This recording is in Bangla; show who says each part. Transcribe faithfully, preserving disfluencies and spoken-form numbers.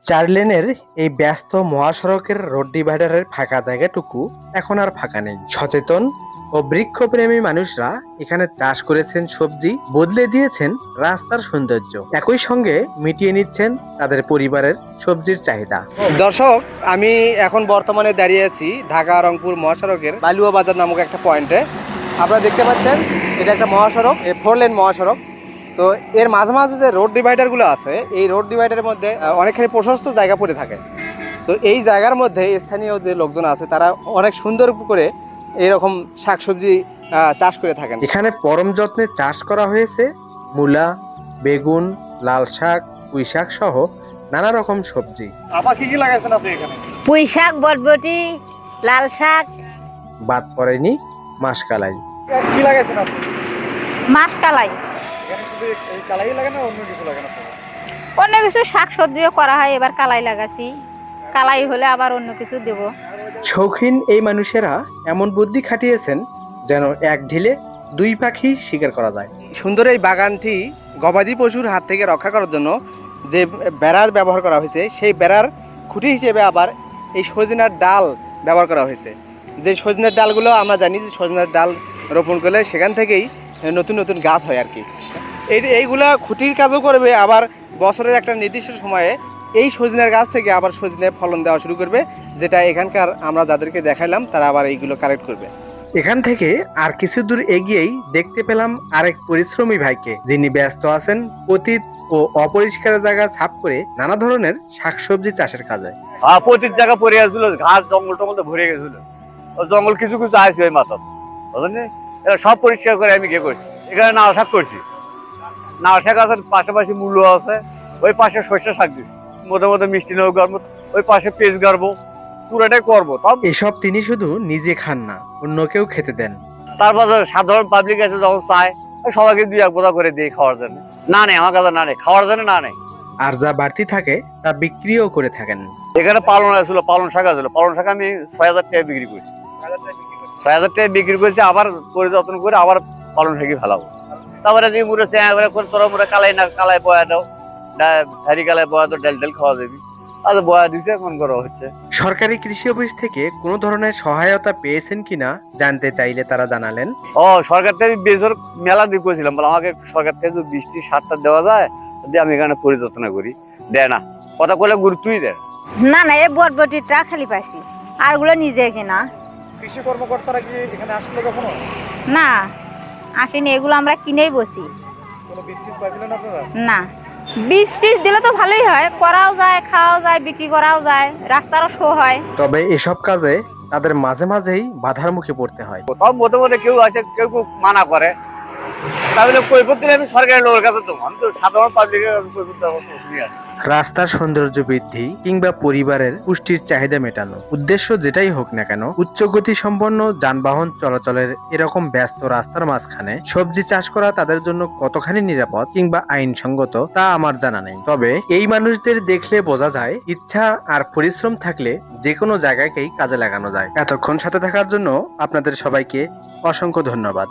Speaker 1: চার লেনের এই ব্যস্ত মহাসড়কের রোড ডিভাইডারের ফাঁকা জায়গাটুকু এখন আর ফাঁকা নেই। সচেতন ও বৃক্ষপ্রেমী মানুষরা এখানে চাষ করেছেন সবজি, বদলে দিয়েছেন রাস্তার সৌন্দর্য, একই সঙ্গে মিটিয়ে নিচ্ছেন তাদের পরিবারের সবজির চাহিদা। দর্শক, আমি এখন বর্তমানে দাঁড়িয়ে আছি ঢাকা রংপুর মহাসড়কের বালুয়া বাজার নামক একটা পয়েন্টে। আপনারা দেখতে পাচ্ছেন এটা একটা মহাসড়ক, এই ফোর লেন মহাসড়ক। তো এর মাঝে মাঝে যে রোড ডিভাইডারগুলো আছে, এই রোড ডিভাইডারের মধ্যে অনেকখানি প্রশস্ত জায়গা পড়ে থাকে। তো এই জায়গার মধ্যে স্থানীয় যে লোকজন আছে তারা অনেক সুন্দর করে এরকম শাকসবজি চাষ করে থাকেন। এখানে পরম যত্নে চাষ করা হয়েছে মূলা, বেগুন, লাল শাক, পুঁই শাক সহ নানা রকম সবজি।
Speaker 2: আপা কি কি লাগাইছেন আপনি এখানে?
Speaker 3: পুঁই শাক, বরবটি, লাল শাক।
Speaker 1: বাদ পড়েনি মাসকালাই।
Speaker 2: কি লাগাইছেন আপনি?
Speaker 3: মাসকালাই।
Speaker 2: এখানে শুধু এই কালাই লাগানো, অন্য কিছু লাগানো?
Speaker 3: অন্য কিছু শাক সবজিও করা হয়, এবার কালাই লাগাছি। কালাই হলে আবার অন্য কিছু দেব।
Speaker 1: শৌখিন এই মানুষেরা এমন বুদ্ধি খাটিয়েছেন যেন এক ঢিলে দুই পাখি শিকার করা যায়। সুন্দর এই বাগানটি গবাদি পশুর হাত থেকে রক্ষা করার জন্য যে বেড়ার ব্যবহার করা হয়েছে, সেই বেড়ার খুঁটি হিসেবে আবার এই সজনার ডাল ব্যবহার করা হয়েছে। যে সজনের ডালগুলো আমরা জানি যে সজনের ডাল রোপণ করলে সেখান থেকেই নতুন নতুন গাছ হয় আর কি। এই এইগুলা খুঁটির কাজও করবে, আবার বছরের একটা নির্দিষ্ট সময়ে এই সজনের গাছ থেকে আবার সজনে ফলন দেওয়া শুরু করবে, যেটা এখানকার আমরা যাদেরকে দেখাইলাম তারা আবার এইগুলো কালেক্ট করবে। এখান থেকে আর কিছু দূর এগিয়েই দেখতে পেলাম আরেক পরিশ্রমী ভাইকে, যিনি ব্যস্ত আছেন পতিত ও অপরিষ্কার জায়গা সাফ করে নানা ধরনের শাকসবজি চাষের কাজে।
Speaker 4: পতিত জায়গা পড়ে গেছিল, ঘাস জঙ্গল টঙ্গল ভরে গেছিল, জঙ্গল কিছু কিছু আসছে ওই মাথা, বুঝলেন? এটা সব পরিষ্কার করে আমি গিয়ে করছি। এখানে নাল শাক করছি, নাল শাক আছে, পাশাপাশি মূল্য আছে, ওই পাশে সর্ষে শাক দিচ্ছি, মধ্যে মধ্যে মিষ্টি নৌ গাড়বো, ওই পাশে পেঁয়াজ গাড়বো, পুরোটাই করবো।
Speaker 1: এসব তিনি শুধু নিজে খান না, অন্যকেও খেতে দেন।
Speaker 4: তারপর সাধারণ পাবলিক আছে যখন চায়, সবাইকে দুই এক বোধা করে দিই খাওয়ার জন্য। না নেই আমার কাছে, না নেই খাওয়ার জন্য, না নেই।
Speaker 1: আর যা বাড়তি থাকে তা বিক্রিও করে থাকেন।
Speaker 4: এখানে পালন আছিল, পালন শাক আছিল, পালন শাক আমি ছয় হাজার টাকা বিক্রি করছি, ছয় হাজার টাকা বিক্রি করছি। আবার করে যত্ন করে আবার পালন শাকই ফেলাবো। তারপরে যে মুড়ে তোরা মুড়ে কালাই না কালাই বয়া দাও, ধারি কালাই বয়া দাও, ডাল ডাল খাওয়া যাবি। আচ্ছা বয়া দিছে, এখন করা হচ্ছে।
Speaker 1: সরকারি কৃষি অফিস থেকে কোনো ধরনের সহায়তা পেয়েছেন কিনা জানতে চাইলে তারা জানালেন,
Speaker 4: ও সরকার থেকে বেজর মেলা দিয়ে করেছিলাম, বলে আমাকে সরকার থেকে যদি বৃষ্টি সারটা দেওয়া যায়, যদি আমি এখানে পরিচর্যা করি। দেয় না, কথা বলে গুরুত্বই দেয়
Speaker 3: না। না এই বরবটিটা খালি পাইছি, আর গুলো নিজে কিনা।
Speaker 2: কৃষি কর্মকর্তারা কি এখানে আসছিল কখনো?
Speaker 3: না আসেনি, এগুলো আমরা কিনেই বসি।
Speaker 2: কোনো বৃষ্টি পাইছিলেন আপনারা?
Speaker 3: না, বীজ টিজ দিলে তো ভালোই হয়, করাও যায়, খাওয়াও যায়, বিক্রি করাও যায়, রাস্তারও শো হয়।
Speaker 1: তবে এসব কাজে তাদের মাঝে মাঝেই বাধার মুখে পড়তে হয়।
Speaker 4: কোথাও মধ্যে মধ্যে কেউ আছে, কেউ কেউ মানা করে, তাহলে কৈফত দিলে আমি সরকারি লোকের কাছে দেবো, আমি তো সাধারণ পাবলিকের কাছে কৈফত দেওয়ার মতো অসুবিধা নেই।
Speaker 1: রাস্তার সৌন্দর্য বৃদ্ধি কিংবা পরিবারের পুষ্টির চাহিদা মেটানো, উদ্দেশ্য যেটাই হোক না কেন, উচ্চ গতি সম্পন্ন যানবাহন চলাচলের এরকম ব্যস্ত রাস্তার মাঝখানে সবজি চাষ করা তাদের জন্য কতখানি নিরাপদ কিংবা আইনসঙ্গত তা আমার জানা নেই। তবে এই মানুষদের দেখলে বোঝা যায়, ইচ্ছা আর পরিশ্রম থাকলে যে কোনো জায়গাকেই কাজে লাগানো যায়। এতক্ষণ সাথে থাকার জন্য আপনাদের সবাইকে অসংখ্য ধন্যবাদ।